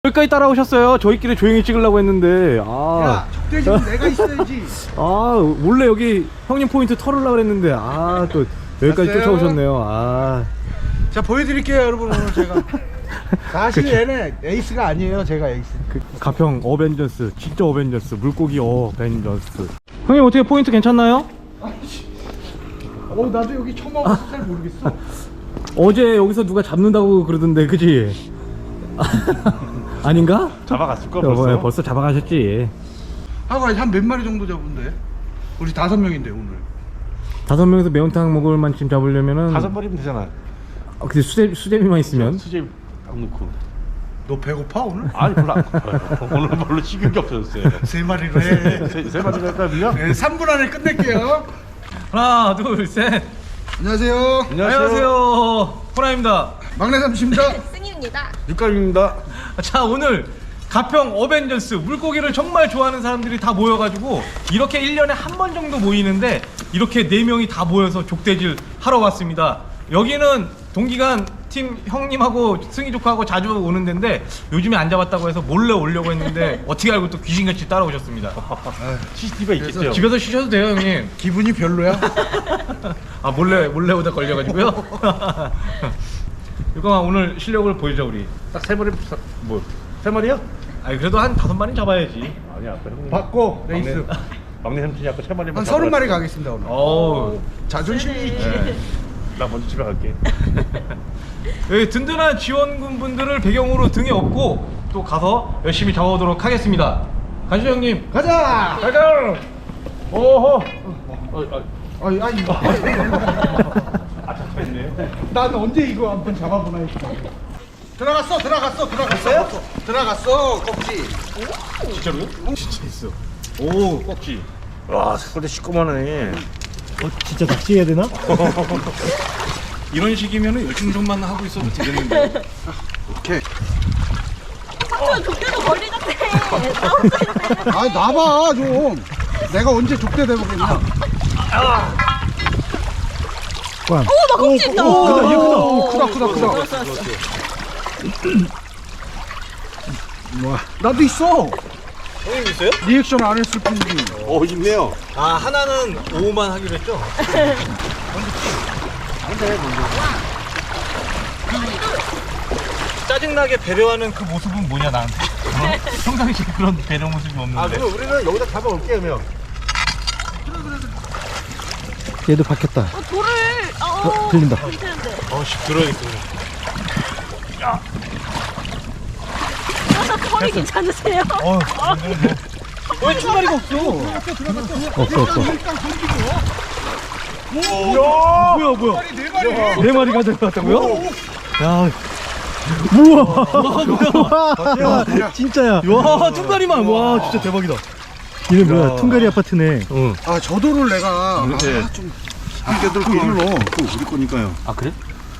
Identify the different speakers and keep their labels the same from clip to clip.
Speaker 1: 여기까지 따라오셨어요. 저희끼리 조용히 찍으려고 했는데
Speaker 2: 야, 적대지는 내가 있어야지.
Speaker 1: 원래 여기 형님 포인트 털으려고 했는데 또 여기까지
Speaker 2: 갔어요?
Speaker 1: 쫓아오셨네요.
Speaker 2: 자, 보여드릴게요, 여러분. 오늘 제가 사실 얘네 에이스가 아니에요. 제가 에이스.
Speaker 1: 가평 어벤져스, 진짜 어벤져스, 물고기 어벤져스. 형님 어떻게 포인트 괜찮나요?
Speaker 2: 나도 여기 처음 와서 잘 모르겠어.
Speaker 1: 어제 여기서 누가 잡는다고 그러던데, 그지? 아닌가?
Speaker 3: 잡아갔을걸 벌써?
Speaker 1: 벌써 잡아가셨지.
Speaker 2: 하고 한 몇 마리 정도 잡은데? 우리 5명인데 오늘.
Speaker 1: 5명에서 매운탕 먹을 만큼 잡으려면은
Speaker 3: 5마리면 되잖아.
Speaker 1: 근데 수제비만 있으면
Speaker 3: 수제 안 넣고.
Speaker 2: 너 배고파 오늘?
Speaker 3: 아니 별로 안 고파요. 오늘 별로 식은 게 없어졌어요.
Speaker 2: 3마리로 해.
Speaker 3: 세 마리가 할까 밀려?
Speaker 2: 네, 3분 안에 끝낼게요.
Speaker 1: 하나, 둘, 셋.
Speaker 2: 안녕하세요.
Speaker 1: 안녕하세요. 호라입니다.
Speaker 2: 막내 삼십니다.
Speaker 4: 승희입니다.
Speaker 3: 육감입니다.
Speaker 1: 자, 오늘 가평 어벤져스 물고기를 정말 좋아하는 사람들이 다 모여가지고 이렇게 1년에 한 번 정도 모이는데 이렇게 4명이 다 모여서 족대질 하러 왔습니다. 여기는 동기간 팀 형님하고 승희 조카하고 자주 오는 데인데 요즘에 안 잡았다고 해서 몰래 오려고 했는데 어떻게 알고 또 귀신같이 따라오셨습니다.
Speaker 3: CCTV가 있겠죠?
Speaker 1: 집에서 쉬셔도 돼요, 형님.
Speaker 2: 기분이 별로야?
Speaker 1: 몰래 오다 걸려가지고요. 유광아, 오늘 실력을 보여줘 우리.
Speaker 3: 딱 3마리 뭐 3마리야?
Speaker 1: 아니 그래도 한 5마리는 잡아야지.
Speaker 3: 아니야 아까 형님
Speaker 2: 받고 레이스.
Speaker 3: 막내 삼촌이 아까 3마리만
Speaker 2: 한 30마리 가겠습니다 오늘.
Speaker 1: 어우.
Speaker 2: 자존심이 있지.
Speaker 3: 나 먼저 집에 갈게.
Speaker 1: 여기 든든한 지원군 분들을 배경으로 등에 업고 또 가서 열심히 잡아오도록 하겠습니다. 가시죠, 형님.
Speaker 2: 가자.
Speaker 1: 가자. 오호.
Speaker 2: 아니.
Speaker 3: 잠깐만요.
Speaker 2: 난 언제 이거 한번 잡아보나 했어. 들어갔어 꺽지.
Speaker 3: 진짜로요? 진짜 있어. 오 꺽지. 와 색깔도 시꺼먼하네.
Speaker 1: 진짜 낚시해야 되나? 이런 식이면 열중전만 하고 있어도 되겠는데.
Speaker 2: 오케이.
Speaker 4: 삼촌 족대도 걸리던데. 싸웠어요.
Speaker 2: 아 나봐 좀. 내가 언제 족대 대보겠냐.
Speaker 4: 나 껍질 있다.
Speaker 2: 크다. 와, 나도 있어.
Speaker 1: 형님 있어요?
Speaker 2: 리액션 안 했을 뿐이지.
Speaker 3: 있네요.
Speaker 1: 하나는 5만 하기로 했죠? 짜증나게 배려하는 그 모습은 뭐냐 나한테? 평상시에 그런 배려 모습이 없는데.
Speaker 3: 그럼 우리는 여기다 잡아올게 그러면.
Speaker 1: 얘도 박혔다.
Speaker 4: 돌을.
Speaker 1: 들린다.
Speaker 4: 괜찮은데.
Speaker 1: 들어야겠어.
Speaker 4: 털이 괜찮으세요?
Speaker 1: 왜 출발이가 없어? 없어. 뭐야? 네 마리 가져갔다고요? 야, 우와, 진짜야. 와, 퉁가리만. 와, 진짜 대박이다.
Speaker 5: 이게 뭐야? 퉁가리 아파트네.
Speaker 2: 아 저도를 내가 좀 아껴둘 걸로.
Speaker 3: 그 우리 거니까요.
Speaker 1: 아, 그래?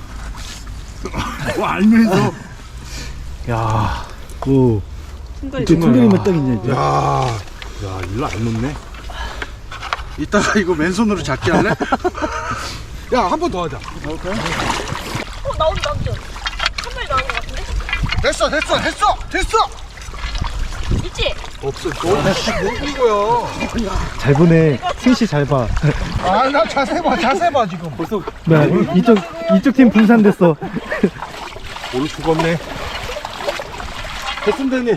Speaker 2: 알면서.
Speaker 1: 야,
Speaker 5: 오. 이제 퉁가리만 딱 있네. 이제.
Speaker 2: 야,
Speaker 3: 일로 안 놓네.
Speaker 2: 이따가 이거 맨손으로 잡기 할래? 야, 한 번 더 하자.
Speaker 4: 나온다, 삼촌. 한 마리 나온 것 같은데?
Speaker 2: 됐어.
Speaker 4: 있지?
Speaker 2: 없어. 뭐 이거야?
Speaker 5: 잘 보네. 승희 씨 잘 봐.
Speaker 2: 아, 나 자세 봐 지금. 벌써.
Speaker 5: 뭐야? 이쪽 팀 분산됐어.
Speaker 3: 오늘 죽었네. 됐습니다 형님.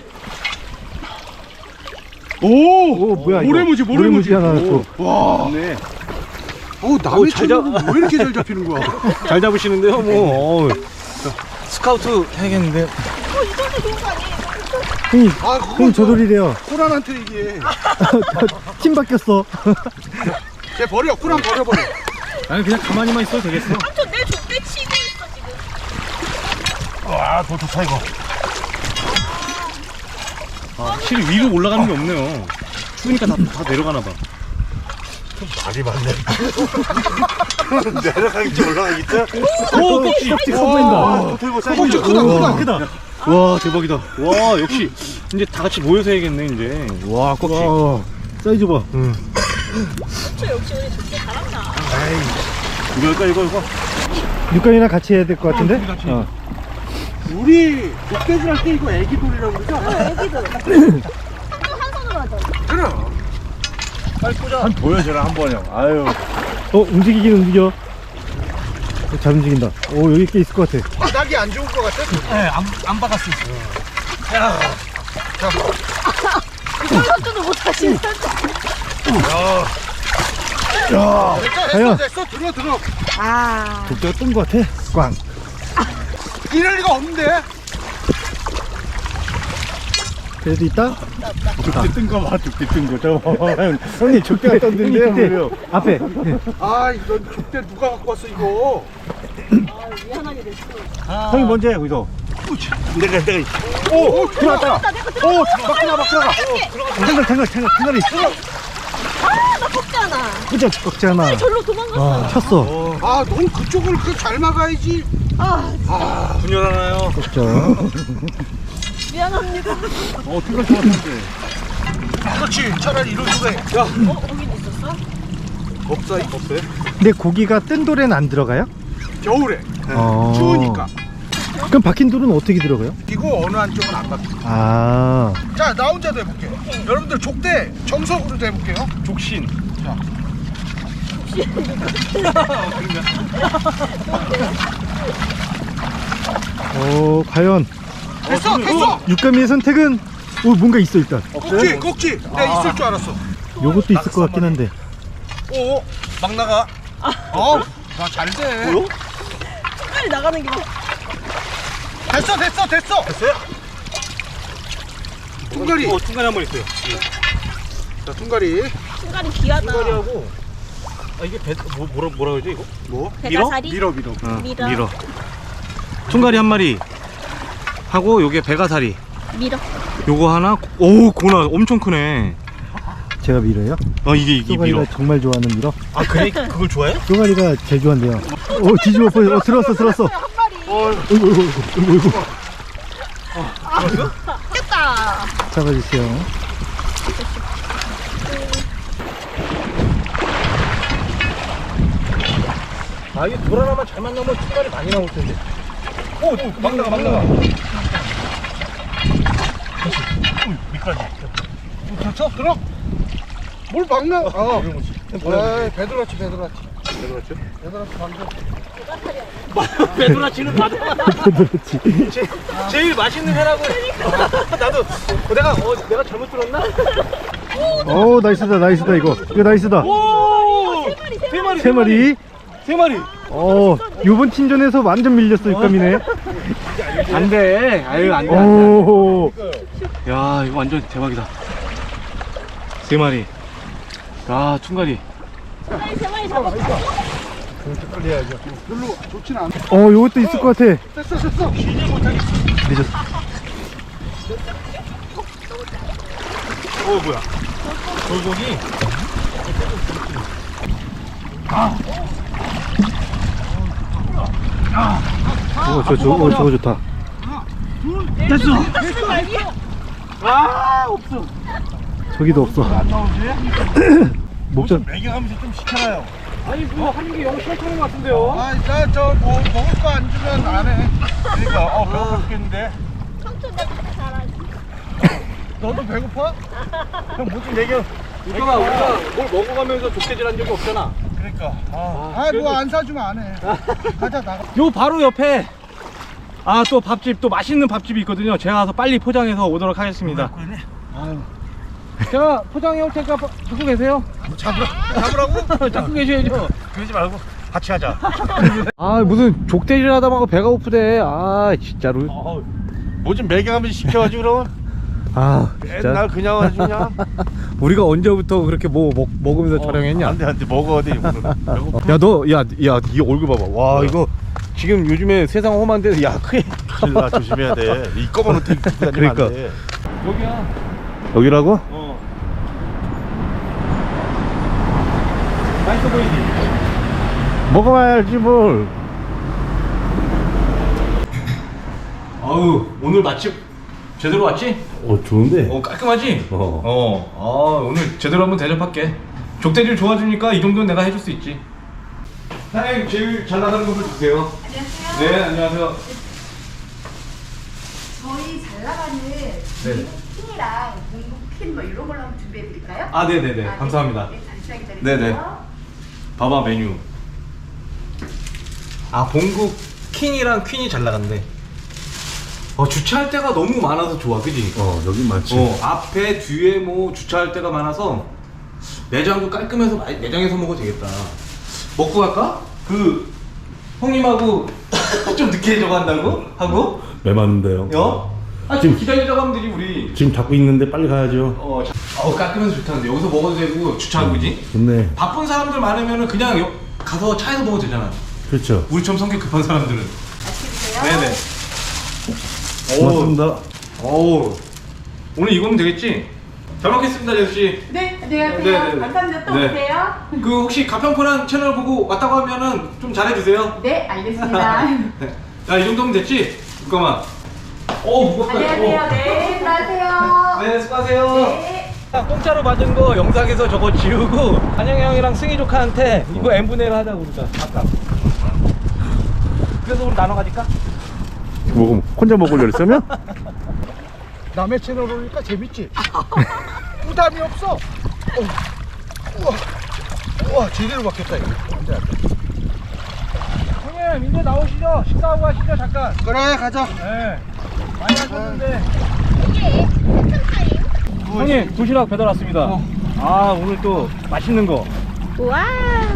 Speaker 2: 오,
Speaker 5: 뭐야? 이거?
Speaker 2: 모래무지
Speaker 5: 하나 또.
Speaker 2: 와,
Speaker 3: 네.
Speaker 2: 남의 친구는 왜 이렇게 잘 잡히는 거야?
Speaker 1: 잘 잡으시는데요, 뭐. 스카우트 해야겠는데.
Speaker 4: 이거는 좋은 거 아니에요?
Speaker 5: 승희,
Speaker 2: 아,
Speaker 5: 승희 저돌이래요.
Speaker 2: 코란한테 얘기해.
Speaker 5: 팀 바뀌었어.
Speaker 2: 쟤 버려. 코란 버려.
Speaker 1: 아니, 그냥 가만히만 있어도 되겠어.
Speaker 4: 삼촌 내 족대 치고 있어, 지금.
Speaker 3: 더 좋다 이거.
Speaker 1: 확실히 위로 올라가는 게 없네요. 추우니까 다 내려가나 봐.
Speaker 3: 말이 많네. 내려가겠지 올라가겠지?
Speaker 1: 오, 꺽지.
Speaker 5: 꺽지 커 보인다.
Speaker 3: 들고
Speaker 2: 꺽지 크다.
Speaker 1: 와, 대박이다. 와, 역시 이제 다 같이 모여서 해야겠네, 이제. 와, 꺽지.
Speaker 5: 와, 사이즈 봐.
Speaker 4: 삼촌 역시 우리 족대 잘한다.
Speaker 3: 이거.
Speaker 5: 육간이랑 같이 해야 될 것 같은데?
Speaker 1: 같이.
Speaker 2: 우리 족대질 할 때 이거 애기 돌이라고 그러죠?
Speaker 4: 애기들. 한 손으로 하자.
Speaker 2: 그럼.
Speaker 3: 빨리 꽂아. 한 보여줘라 한 번요. 아유.
Speaker 5: 움직이긴 움직여. 잘 움직인다. 여기 꽤 있을 것 같아.
Speaker 2: 바닥이 안 좋을 것 같아?
Speaker 1: 네, 안 박았어.
Speaker 4: 이걸로도 못하시네.
Speaker 5: 과연?
Speaker 2: 됐어. 들어.
Speaker 4: 아.
Speaker 5: 독자가 뜬 것 같아. 꽝.
Speaker 2: 이럴 리가 없는데.
Speaker 5: 그래도 있다?
Speaker 3: 족대 뜬거 봐. 족대 뜬 거. 저거. 형님 족대가 떴는데요.
Speaker 5: 형님,
Speaker 3: 뭐예요?
Speaker 5: 앞에.
Speaker 2: 아, 이런 족대 누가 갖고 왔어 이거?
Speaker 4: 미안하게 됐어.
Speaker 3: 형님 먼저 해 거기서. 내가.
Speaker 2: 오, 들어왔다.
Speaker 3: 막 들어가.
Speaker 5: 탱글이.
Speaker 4: 아, 나 컸잖아.
Speaker 5: 그죠? 꺾잖아.
Speaker 4: 절로 도망갔어.
Speaker 5: 쳤어.
Speaker 2: 아, 넌 그쪽을 잘 막아야지.
Speaker 4: 아,
Speaker 3: 분열하나요?
Speaker 5: 꺾자.
Speaker 4: 미안합니다.
Speaker 3: 탱글 좋았는데.
Speaker 2: 그렇지. 차라리 이런 쪽에. 야,
Speaker 4: 거긴 있었어?
Speaker 2: 없어요?
Speaker 5: 근데 고기가 뜬 돌에는 안 들어가요?
Speaker 2: 겨울에
Speaker 5: 어.
Speaker 2: 추우니까.
Speaker 5: 그럼 박힌 돌은 어떻게 들어가요?
Speaker 2: 이거 어느 한쪽은 안 박혀.
Speaker 5: 아.
Speaker 2: 자, 나 혼자도 해볼게. 여러분들 족대 정석으로도 해볼게요.
Speaker 1: 족신.
Speaker 2: 자,
Speaker 5: 과연
Speaker 2: 됐어.
Speaker 5: 육감이의 선택은 뭔가 있어 일단.
Speaker 2: 꼭지. 내가 있을 줄 알았어.
Speaker 5: 요것도 있을 것 같긴 한데.
Speaker 2: 오, 막 나가. 나 잘 돼.
Speaker 4: 빨리 나가는 게.
Speaker 2: 됐어. 됐어요? 퉁가리.
Speaker 3: 중간에 한 번 있어요.
Speaker 2: 자, 퉁가리.
Speaker 4: 순간이 귀하다.
Speaker 3: 중간이하고. 아 이게 뭐라 그러지 이거?
Speaker 2: 뭐?
Speaker 4: 배가사리?
Speaker 2: 밀어.
Speaker 4: 밀어.
Speaker 1: 퉁가리 한 마리 하고 요게 배가사리.
Speaker 4: 밀어.
Speaker 1: 요거 하나. 오, 고나 엄청 크네.
Speaker 5: 제가 밀어요?
Speaker 1: 이게
Speaker 5: 쪼가리가
Speaker 1: 밀어.
Speaker 5: 정말 좋아하는 밀어.
Speaker 1: 아, 그래? 그걸 좋아해?
Speaker 5: 쪼가리가 제일 좋아한대요. 뒤집어 버려. 들었어.
Speaker 4: 한 마리.
Speaker 5: 어이구.
Speaker 4: 깼다.
Speaker 5: 잡아주세요.
Speaker 1: 이게 돌 하나만 잘 만나면 퉁가리 많이 나올 텐데. 막 나가.
Speaker 2: 됐어? 들어. 뭘 막 나? 배도라치. 방금.
Speaker 1: 배도라치는 나도.
Speaker 5: 그렇지.
Speaker 1: 제일 맛있는 회라고. 나도 내가 잘못 들었나?
Speaker 5: 나이스다 이거 나이스다.
Speaker 1: 오! 세 마리.
Speaker 5: 요번 팀전에서 완전 밀렸어 육감이네.
Speaker 1: 안 돼. 아유, 안 돼.
Speaker 5: 오.
Speaker 1: 야, 이거 완전 대박이다. 세 마리. 아, 퉁가리.
Speaker 4: 세 마리 잡았어.
Speaker 2: 별로 좋진 않아.
Speaker 5: 요것도 있을 것 같아.
Speaker 2: 됐어.
Speaker 5: 늦었어.
Speaker 1: 뭐야? 돌고기.
Speaker 5: 저거 좋다.
Speaker 1: 됐어.
Speaker 4: 말이야.
Speaker 1: 없어.
Speaker 5: 저기도 없어. 목전.
Speaker 3: 매겨가면서 좀 시켜놔요.
Speaker 1: 아니, 하는 게 영 싫다는 것 같은데요?
Speaker 2: 먹을 거 안 주면 안 해.
Speaker 3: 그러니까 배고파 죽겠는데.
Speaker 4: 삼촌 내가 잘하지.
Speaker 2: 너도 배고파?
Speaker 3: 형 뭐 좀 매겨.
Speaker 1: 우리가 뭘 먹어가면서 족대질 한 적이 없잖아.
Speaker 3: 그러니까.
Speaker 2: 뭐 안 사주면 안 해. 가자, 나가.
Speaker 1: 요 바로 옆에 또 밥집, 또 맛있는 밥집이 있거든요. 제가 가서 빨리 포장해서 오도록 하겠습니다. 제가 포장해 올 테니까 잡고 계세요.
Speaker 2: 잡으라고?
Speaker 1: 잡고 계셔야죠.
Speaker 3: 그러지 말고 같이 하자.
Speaker 1: 무슨 족대질 하다 말고 배가 고프대. 진짜로.
Speaker 3: 뭐 좀 매겨가면서 시켜가지고 그러면.
Speaker 5: 진짜.
Speaker 3: 맨날 그냥 하지 그냥.
Speaker 1: 우리가 언제부터 그렇게 먹으면서 촬영했냐?
Speaker 3: 안돼 먹어 어디.
Speaker 1: 야, 이 얼굴 봐봐. 와, 이거 지금 요즘에 세상 험한데,
Speaker 3: 큰일 나 조심해야 돼. 이 검은 옷 입고 다니면
Speaker 5: 그러니까.
Speaker 3: 안 돼.
Speaker 1: 여기야.
Speaker 5: 여기라고?
Speaker 1: 맛있어 보이지?
Speaker 5: 먹어봐야지 뭘.
Speaker 1: 오늘 맛집 제대로 왔지?
Speaker 5: 좋은데.
Speaker 1: 깔끔하지? 오늘 제대로 한번 대접할게. 족대질 좋아주니까 이 정도는 내가 해줄 수 있지. 사장님, 제일 잘 나가는 것을 주세요. 안녕하세요. 네, 안녕하세요. 네네.
Speaker 4: 킹이랑 공국 퀸 뭐 이런 걸로 한번 준비해 드릴까요?
Speaker 1: 아, 네네네. 감사합니다.
Speaker 4: 네, 잠시만 기다리세요.
Speaker 1: 네네. 봐봐 메뉴. 아, 공국 킹이랑 퀸이 잘 나간대. 주차할 데가 너무 많아서 좋아, 그지?
Speaker 3: 여기 많지.
Speaker 1: 앞에 뒤에 뭐 주차할 데가 많아서 내장도 깔끔해서 내장에서 먹어도 되겠다. 먹고 갈까? 그 형님하고 좀 늦게 저거 한다고? 하고?
Speaker 5: 매 맞는데요.
Speaker 1: 지금 기다리자고 하면 되지 우리.
Speaker 5: 지금 잡고 있는데 빨리 가야죠.
Speaker 1: 깔끔해서 좋다는데 여기서 먹어도 되고 주차하고 그지?
Speaker 5: 좋네.
Speaker 1: 바쁜 사람들 많으면은 그냥 가서 차에서 먹어도 되잖아.
Speaker 5: 그렇죠.
Speaker 1: 우리처럼 성격 급한 사람들은.
Speaker 4: 맛있게 드세요.
Speaker 1: 네네.
Speaker 5: 고맙습니다.
Speaker 1: 오늘 이거면 되겠지? 잘 먹겠습니다, 제수씨.
Speaker 4: 네, 안녕하세요.
Speaker 1: 네네네.
Speaker 4: 감사합니다. 또
Speaker 1: 네.
Speaker 4: 오세요.
Speaker 1: 그 혹시 가평포란 채널 보고 왔다고 하면은 좀 잘해주세요.
Speaker 4: 네, 알겠습니다.
Speaker 1: 야, 이 정도면 됐지? 잠깐만. 무겁다.
Speaker 4: 안녕하세요. 네, 수고하세요.
Speaker 1: 네, 수고하세요.
Speaker 4: 네.
Speaker 1: 공짜로 받은 거 영상에서 저거 지우고 한영이 형이랑 승희 조카한테 이거 n분의 1 하자고 그러자. 아까. 그래서 우리 나눠 가질까?
Speaker 5: 먹으면 혼자 먹으려고 했으면?
Speaker 2: 남의 채널 오니까 재밌지? 부담이 없어. 우와, 제대로 바뀌었다 이거.
Speaker 1: 형님, 이제 나오시죠. 식사하고 가시죠, 잠깐.
Speaker 2: 그래, 가자.
Speaker 1: 네. 많이 하셨는데. 형님, 도시락 배달 왔습니다. 오늘 또 맛있는 거.
Speaker 4: 우와.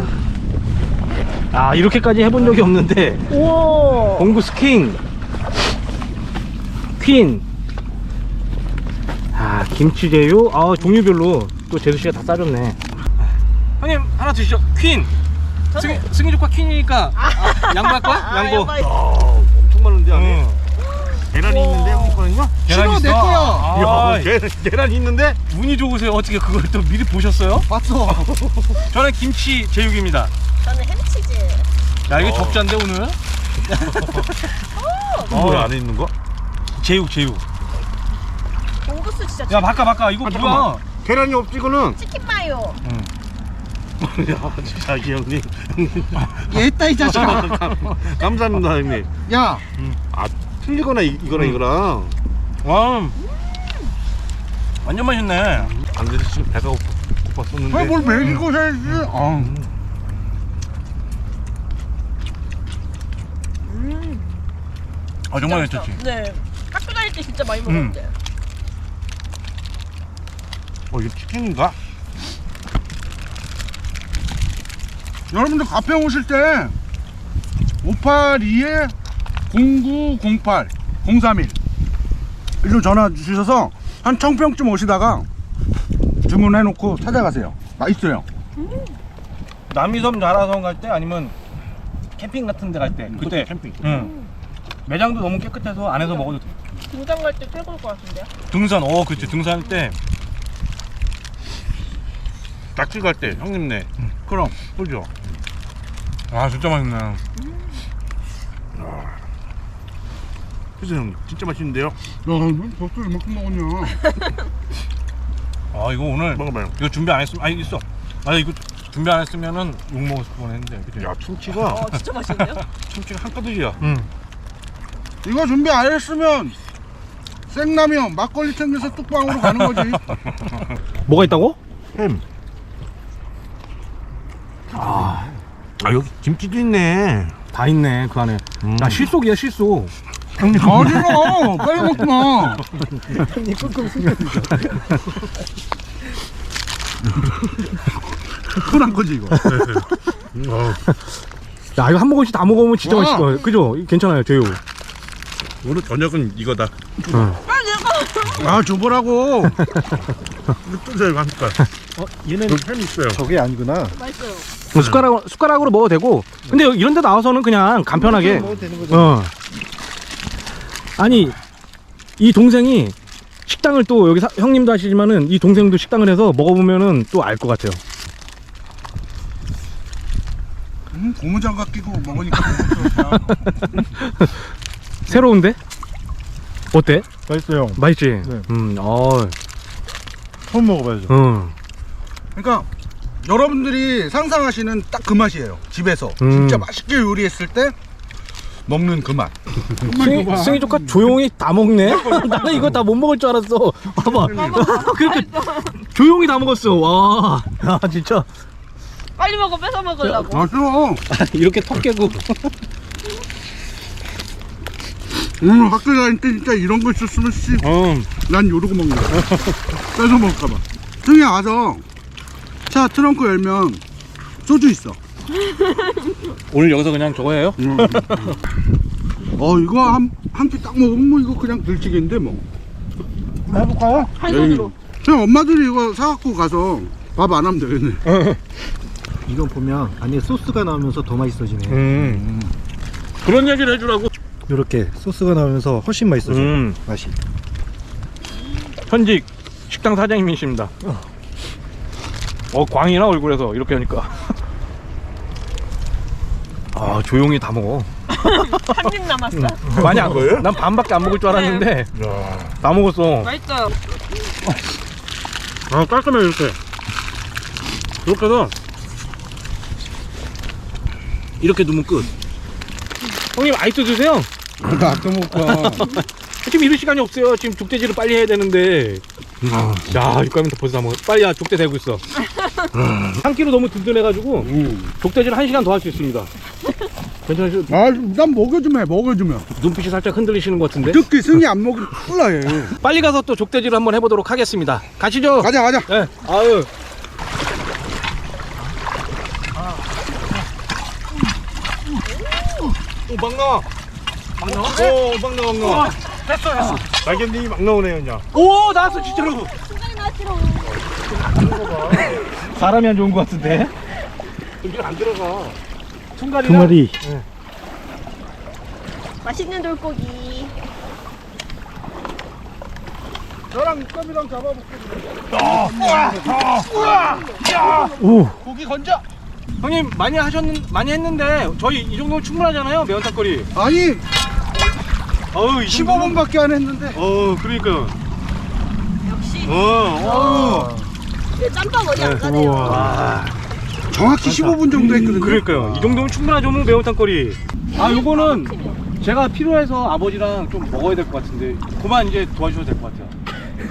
Speaker 1: 이렇게까지 해본 적이 없는데.
Speaker 4: 우와.
Speaker 1: 공구 스킹. 퀸. 김치제육. 종류별로 또 제수씨가 다 싸줬네. 형님, 하나 드시죠. 퀸. 승희 조카 퀸이니까 양보할 거야? 양보.
Speaker 3: 엄청 많은데 안에. 계란이 있는데 형님 거는요?
Speaker 1: 계란 있어?
Speaker 2: 내 거야.
Speaker 3: 계란이 있는데?
Speaker 1: 운이 좋으세요. 어떻게 그걸 또 미리 보셨어요?
Speaker 2: 봤어.
Speaker 1: 저는 김치 제육입니다.
Speaker 4: 저는 햄치즈.
Speaker 1: 야, 이게 적자인데 오늘?
Speaker 3: 뭐야 안에 있는 거?
Speaker 1: 제육.
Speaker 4: 공구수 진짜
Speaker 1: 야, 바꿔. 이거 뭐야?
Speaker 3: 계란이 없지 이거는.
Speaker 4: 치킨 마요.
Speaker 3: 야 진짜 이 형님.
Speaker 2: 얘다 이 자식아.
Speaker 3: 감사합니다 형님.
Speaker 2: 야,
Speaker 3: 틀리거나 이거랑.
Speaker 1: 와, 완전 맛있네.
Speaker 3: 안 돼서 지금 배가 고팠었는데.
Speaker 2: 뭘 먹이고 살지?
Speaker 1: 정말 괜찮지?
Speaker 4: 네. 학교 다닐 때 진짜 많이 먹었는데.
Speaker 3: 이거 치킨인가?
Speaker 2: 여러분들 가평 오실 때 582-0908-031 일로 전화 주셔서 한 청평쯤 오시다가 주문해놓고 찾아가세요. 맛있어요.
Speaker 1: 남이섬 나라섬 갈 때 아니면 캠핑 같은 데 갈 때 그때
Speaker 3: 캠핑.
Speaker 1: 매장도 너무 깨끗해서 안에서 먹어도 돼.
Speaker 4: 등산 갈 때 최고일 것 같은데요?
Speaker 1: 등산, 그치. 등산할 때
Speaker 3: 낚시 갈 때 형님네.
Speaker 2: 그럼.
Speaker 3: 그죠?
Speaker 1: 진짜 맛있네.
Speaker 3: 그죠 형님? 진짜 맛있는데요?
Speaker 2: 야, 너 벌써 이만큼 먹었냐?
Speaker 1: 이거 오늘
Speaker 3: 먹어봐요.
Speaker 1: 이거 준비 안 했으면 있어. 이거 준비 안 했으면은 욕 먹었을 뻔했는데. 그치?
Speaker 3: 야 참치가
Speaker 4: 진짜 맛있는데요?
Speaker 3: 참치가 한가득이야.
Speaker 2: 이거 준비 안 했으면 생라면 막걸리 챙겨서 뚝방으로 가는 거지.
Speaker 1: 뭐가 있다고?
Speaker 3: 햄. 여기 김치도 있네.
Speaker 1: 다 있네 그 안에. 실속이야, 실속.
Speaker 2: 형님 어디로 빨리 먹지 마. 흔한 거지 이거.
Speaker 1: 야, 이거 한 모금씩 다 먹으면 진짜 맛있을 거야. 그죠? 괜찮아요, 제육.
Speaker 3: 오늘 저녁은 이거다.
Speaker 2: 줘보라고.
Speaker 3: 뜯어요 한 숟갈.
Speaker 5: 얘는
Speaker 3: 여기 햄 있어요.
Speaker 5: 저게 아니구나.
Speaker 4: 맛있어요.
Speaker 1: 숟가락으로 먹어도 되고. 근데 이런 데 나와서는 그냥 간편하게.
Speaker 5: 먹어도 되는 거죠.
Speaker 1: 아니, 이 동생이 식당을 또 여기 형님도 하시지만은 이 동생도 식당을 해서 먹어보면은 또 알 것 같아요.
Speaker 2: 고무장갑 끼고 먹으니까 좋다.
Speaker 1: 새로운데? 어때?
Speaker 5: 맛있어요.
Speaker 1: 맛있지?
Speaker 5: 네. 처음 먹어봐야죠.
Speaker 2: 그러니까 여러분들이 상상하시는 딱 그 맛이에요. 집에서 진짜 맛있게 요리했을 때 먹는 그 맛.
Speaker 1: 승희 조카 조용히 다 먹네? 나는 이거 다 못 먹을 줄 알았어. 봐봐. 그렇게 조용히 다 먹었어. 와. 아, 진짜.
Speaker 4: 빨리 먹어, 뺏어 먹으려고.
Speaker 2: 맛있어.
Speaker 1: 이렇게 턱 깨고.
Speaker 2: 오늘 학교 다닐 때 진짜 이런 거 있었으면 씨. 난 요러고 먹는 거야. 뺏어 먹을까봐. 승희 와서 차 트렁크 열면 소주 있어.
Speaker 1: 오늘 여기서 그냥 저거 해요?
Speaker 2: 이거 한 끼 딱 먹으면 뭐 이거 그냥 들치기인데 뭐. 해볼까요?
Speaker 4: 한 손으로.
Speaker 2: 그냥 엄마들이 이거 사갖고 가서 밥 안 하면 되겠네.
Speaker 5: 이거 보면 안에 소스가 나오면서 더 맛있어지네.
Speaker 1: 그런 얘기를 해주라고.
Speaker 5: 이렇게 소스가 나오면서 훨씬 맛있어져. 맛이.
Speaker 1: 현직 식당 사장님이십니다. 광이나 얼굴에서 이렇게 하니까. 아, 조용히 다 먹어.
Speaker 4: 한 입 남았어.
Speaker 1: 많이 안 먹어요? 난 반밖에 안 먹을 줄 알았는데 다 먹었어.
Speaker 4: 맛있어요.
Speaker 1: 아, 깔끔해. 이렇게 해서 이렇게 두면 끝. 형님 아이스 드세요.
Speaker 2: 나 아껴 먹을까.
Speaker 1: 지금 이럴 시간이 없어요. 지금 족대질을 빨리 해야 되는데. 야, 육감이 벌써 다 먹어. 빨리. 야, 족대 대고 있어. 한 끼로 너무 든든해가지고 족대질 1시간 더 할 수 있습니다. 괜찮으시죠?
Speaker 2: 난 먹여주면.
Speaker 1: 눈빛이 살짝 흔들리시는 것 같은데.
Speaker 2: 특히 승희 안 먹으면 큰일 나 얘.
Speaker 1: 빨리 가서 또 족대질을 한번 해보도록 하겠습니다. 가시죠.
Speaker 2: 가자.
Speaker 1: 네. 아유. 막 나와. 막 나와. 됐어.
Speaker 3: 날개님이 막 나오네요, 이제.
Speaker 1: 오, 나왔어, 진짜로.
Speaker 4: 순간이 나왔지롱.
Speaker 1: 사람이 안 좋은 것 같은데.
Speaker 3: 이게 안 들어가.
Speaker 5: 두 마리.
Speaker 4: 맛있는 돌고기.
Speaker 2: 저랑 육감이랑 잡아볼게.
Speaker 5: 오.
Speaker 2: 고기 건져.
Speaker 1: 형님 많이 했는데 저희 이 정도면 충분하잖아요. 매운탕거리.
Speaker 2: 아니
Speaker 1: 어우,
Speaker 2: 15분밖에 안 했는데.
Speaker 1: 그러니까.
Speaker 4: 역시.
Speaker 1: 어.
Speaker 4: 그 짬밥 어디 안 가네요.
Speaker 1: 와.
Speaker 2: 정확히 15분 정도 했거든요.
Speaker 1: 그러니까요. 이 정도면 충분하죠, 뭐 매운탕거리. 아, 요거는 제가 필요해서 아버지랑 좀 먹어야 될 것 같은데 그만 이제 도와주셔도 될 것 같아요.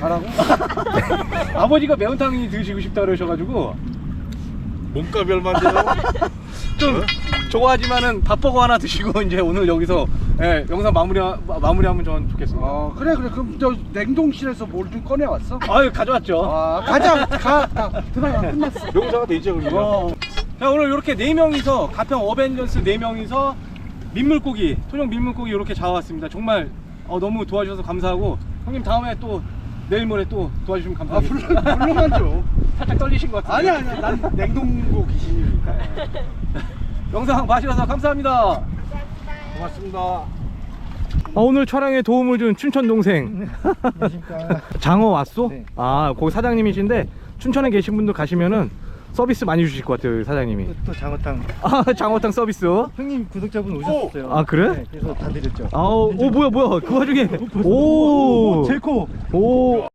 Speaker 1: 가라고? 아버지가 매운탕이 드시고 싶다 그러셔가지고
Speaker 3: 몸값이 얼마인데요?
Speaker 1: 좀 좋아하지만은 밥버거 하나 드시고 이제 오늘 여기서 영상 마무리하면 전 좋겠습니다.
Speaker 2: 그래. 그럼 저 냉동실에서 뭘 좀 꺼내 왔어?
Speaker 1: 아유, 가져왔죠.
Speaker 2: 가자. 들어가. 끝났어.
Speaker 3: 명사가 돼 있죠, 그러면.
Speaker 1: 자, 오늘 이렇게 4명이서 가평 어벤져스 4명이서 민물고기, 토종 민물고기 이렇게 잡아왔습니다. 정말 너무 도와주셔서 감사하고 형님 다음에 또 내일 모레 또 도와주시면 감사하겠습니다.
Speaker 2: 물론하죠.
Speaker 1: 살짝 떨리신 것 같은데.
Speaker 2: 아니야. 난 냉동고 귀신이니까.
Speaker 1: 영상 봐주셔서 감사합니다.
Speaker 3: 고맙습니다.
Speaker 1: 오늘 촬영에 도움을 준 춘천 동생 장어 왔소?
Speaker 5: 네.
Speaker 1: 아, 거기 사장님이신데 춘천에 계신 분들 가시면은 서비스 많이 주실 것 같아요, 사장님이.
Speaker 5: 또 장어탕.
Speaker 1: 아, 장어탕 서비스.
Speaker 5: 형님 구독자분 오셨어요.
Speaker 1: 아, 그래?
Speaker 5: 네, 그래서 다 드렸죠.
Speaker 1: 뭐야 그 와중에 오,
Speaker 5: 제코.
Speaker 1: 오.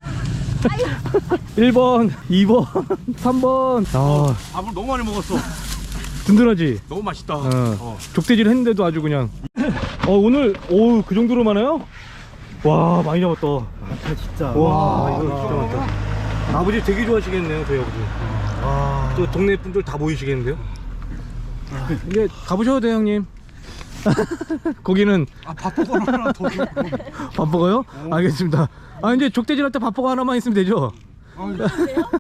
Speaker 1: 1번 2번 3번.
Speaker 3: 밥을 너무 많이 먹었어.
Speaker 1: 든든하지?
Speaker 3: 너무 맛있다.
Speaker 1: 족대질 했는데도 아주 그냥. 오늘 그 정도로 많아요? 와, 많이 잡았다.
Speaker 5: 진짜.
Speaker 1: 와,
Speaker 5: 이거 진짜 많다.
Speaker 1: 아버지 되게 좋아하시겠네요, 저희 아버지. 또 동네 분들 다 모이시겠는데요? 이제 가보셔도 돼요, 형님. 거기는
Speaker 2: 밥버거 하나 더 줘.
Speaker 1: 밥버거요? 알겠습니다. 이제 족대질 할 때 밥버거 하나만 있으면 되죠?